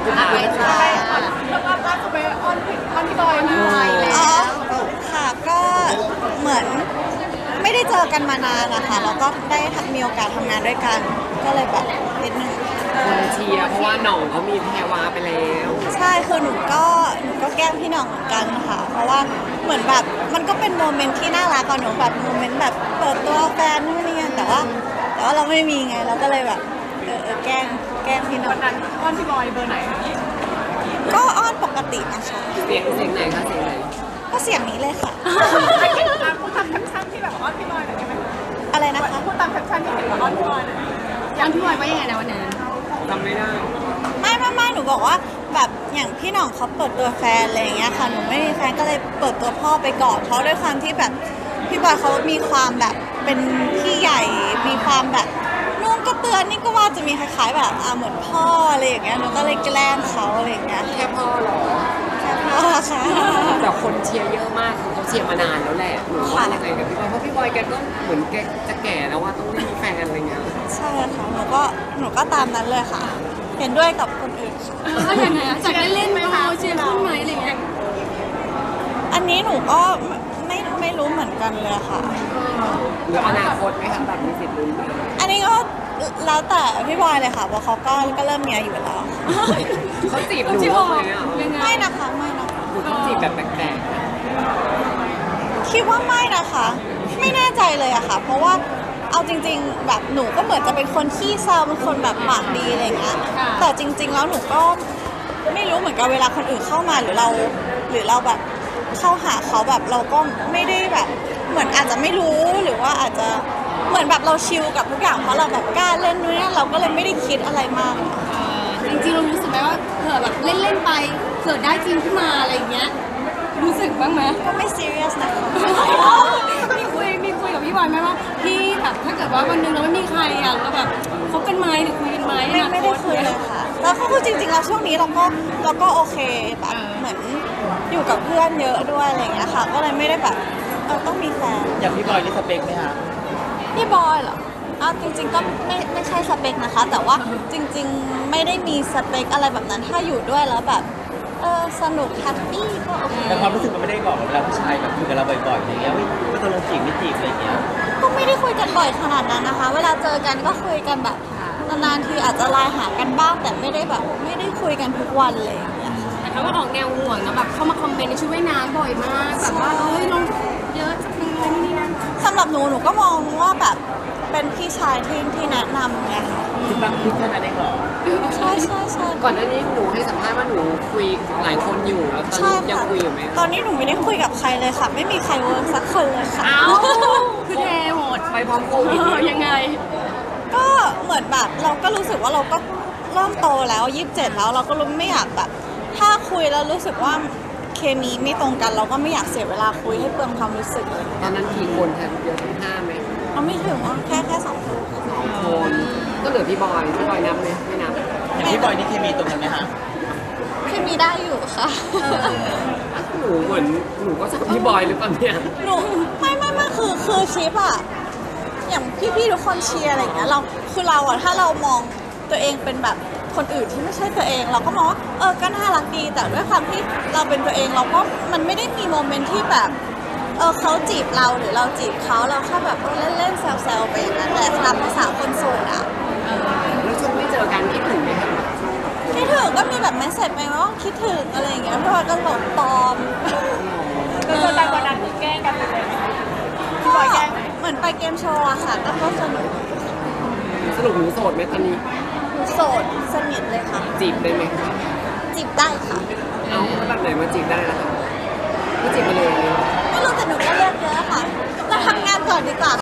ใช่แล้วก็ล่าสุดไปอ้อนพี่บอยมาอ๋อแล้วค่ะก็เหมือนไม่ได้เจอกันมานานนะคะแล้วก็ได้มีโอกาสทำงานด้วยกันก็เลยแบบนิดนึงคนเชียร์เพราะว่าหน่องเขามีแพรวาไปแล้วใช่คือหนูก็แกล้งพี่หน่องเหมือนกันค่ะเพราะว่าเหมือนแบบมันก็เป็นโมเมนต์ที่น่ารักก่อนหนูแบบโมเมนต์แบบเปิดตัวแฟนนู่นนี่แต่ว่าเราไม่มีไงเราก็เลยแบบแกล้งพี่หน่อวังนนั้นอ้อนพี่บอยเบอร์ไหนคะก็อ้อนปกตินะคะเสียงไหนคะเสียงไหนก็เสียงนี้เลยค่ะพูดตามแคปชั่นที่แบบอ้อนพี่บอยหน่อยได้ไหมอะไรนะคะพูดตามแคปชั่นที่เห็นว่าอ้อนพี่บอยหน่อยอ้อนพี่บอยว่ายังไงนะวันนั้นจำไม่ได้ไม่หนูบอกว่าแบบอย่างพี่หน่องเขาเปิดตัวแฟนอะไรอย่างเงี้ยค่ะหนูไม่มีแฟนก็เลยเปิดตัวพ่อไปก่อนเพราะด้วยความที่แบบพี่บอยเขามีความแบบเป็นพี่ใหญ่มีความแบบนุ่งก็เตือนนี่ก็ว่าจะมีคล้ายๆแบบเหมือนพ่ออะไรอย่างเงี้ยหนูก็เลยแกล้งเขาอะไรอย่างเงี้ยแค่พ่อเหรอแค่พ่อค่ะแต่คนเชียร์เยอะมากคือเขาเชียร์มานานแล้วแหละหนูว่ายังไงกับพี่บอยเพราะพี่บอยแกก็เหมือนแกจะแก่แล้วว่าต้องไม่มีแฟนอะไรเงี้ยใช่ค่ะหนูก็ตามนั้นเลยค่ะ เห็นด้วยกับคนอื่นค่ะก็ยังไงอะจากเล่นๆมาเชียร์ขึ้นไหมอะไรเงี้ยอันนี้หนูก็ไม่รู้เหมือนกันเลยค่ะหรืออนาคตไหมคะแบบมีสิทธิ์ลุ้นไหมอันนี้ก็แล้วแต่พี่บอยเลยค่ะเพราะเขาก็เริ่มมีอายุแล้วเขาจีบหนูไหมอ่ะยังไงไม่นะคะไม่นะคะหรือเขาจีบแบบแปลกคิดว่าไม่นะคะ ไม่แน่ใจเลยอะค่ะ เพราะว่าเอาจริงๆแบบหนูก็เหมือนจะเป็นคนขี้แซวเป็นคนแบบปากดีอะไรอย่างเงี้ยแต่จริง ๆ แล้วหนูก็ไม่รู้เหมือนกันเวลาคนอื่นเข้ามาหรือเราแบบเข้าหาเขาแบบเราก็ไม่ได้แบบเหมือนอาจจะไม่รู้หรือว่าอาจจะเหมือนแบบเราชิลกับทุกอย่างเพราะเราแบบกล้าเล่นด้วยนะเราก็เลยไม่ได้คิดอะไรมากจริงๆเรารู้สึกไหมว่าเผื่อแบบเล่นๆไปเกิดได้จริงขึ้นมาอะไรอย่างเงี้ยรู้สึกบ้างไหมก็ไม่ซีเรียสนะคะมีคุยกับพี่บอยไหมว่าพี่แบบถ้าเกิดว่าวันหนึงเราไม่มีใครอ่ะเราแบบคบกันไหมหรือคุยกันไหมไม่ได้คุยเลยค่ะแล้วก็คือจริงๆแล้วช่วงนี้เราก็โอเคแบบเหมือนอยู่กับเพื่อนเยอะด้วยอะไรอย่างเงี้ยค่ะ ก็เลยไม่ได้แบบต้องมีแฟนอย่างพี่บอยนี่สเปคไหมคะพี่บอยเหรอจริงๆก็ไม่ใช่สเปคนะคะ แต่ว่าจริงๆไม่ได้มีสเปคอะไรแบบนั้นถ้าอยู่ด้วยแล้วแบบสนุกแฮปปี้ก็โอเคแต่ความรู้สึกมันไม่ได้บอกเวลาผู้ชายแบบคุยกับเราบ่อยๆอย่างเงี้ยไม่ต้องลงจีบไม่จีบอะไรอย่างเงี้ยก็ไม่ได้คุยกันบ่อยขนาดนั้นนะคะ เวลาเจอกันก็คุยกันแบบนานๆทีอาจจะไลน์หากันบ้างแต่ไม่ได้แบบไม่ได้คุยกันทุกวันเลยอย่างเงี้ยแต่เขาก็ออกแนวห่วงนะแบบเข้ามาคอมเมนต์ในชุดว่ายน้ำบ่อยมากแบบว่าเฮ้ยลงเยอะจังเลยนี่นั่นสำหรับหนูก็มองว่าแบบเป็นพี่ชายที่แนะนำไงค่ะคิดบ้างคิดแค่นั้นเองเหรอใช่ๆก่อนหน้านี้หนูให้สัมภาษณ์ว่าหนูคุยหลายคนอยู่แล้วตอนใช่นี้ยังค่ะคุยอยู่ไหมตอนนี้หนูไม่ได้คุยกับใครเลยค่ะ ไม่มีใครเวิร์กสักคนเลยค่ะเอ้าคือเทหมดไปพร้อมโควิดยังไงก็เหมือนแบบเราก็รู้สึกว่าเราก็เริ่มโตแล้ว27แล้วเราก็รู้ไม่อยากแบบ ถ้าคุยแล้วรู้สึกว่าเคมีไม่ตรงกัน เราก็ไม่อยากเสียเวลาคุยให้เปลืองความรู้สึกเลยตอนนั้นกี่คนคะเยอะถึง5ไหมเราไม่ถึงว่าแค่2 คนค่ะ 2 คนก็เหลือพี่บอยนับไหมไม่นับอย่างพี่บอยนี่เคมีตรงกันไหมคะเคมีได้อยู่ค่ะหนูเหมือนหนูก็ชอบพี่บอยหรือเปล่าเนี่ยหนูไม่คือชิปอะอย่างพี่ๆทุกคนเชียร์อะไรอย่างเงี้ยเราอะถ้าเรามองตัวเองเป็นแบบคนอื่นที่ไม่ใช่ตัวเอง เราก็มองว่าก็น่ารักดีแต่ด้วยความที่เราเป็นตัวเองเราก็มันไม่ได้มีโมเมนต์ที่แบบเขาจีบเราหรือเราจีบเขาเราแค่แบบเล่นๆแซวๆไปอย่างนั้นแหละตามภาษาคนโสดอะแล้วช่วงไม่เจอกันคิดถึงไหมคะคิดถึงก็มีแบบแมสเซจไปว่าคิดถึงอะไรอย่างเงี้ยพี่บอยก็หลบปลอมก็เจอกันวันนั้นมีแกล้งกันเลยก็เหมือนไปเกมโชว์อะค่ะก็สนุกสรุปหนูโสดไหมตอนนี้โสดสนิทเลยค่ะจีบได้ไหมจีบได้ค่ะเอาแล้วแบบไหนมาจีบได้ล่ะคะไม่จีบมาเลยไม่รู้แต่หนูก็เลือกเยอะค่ะ เราทำงานก่อนดีกว่า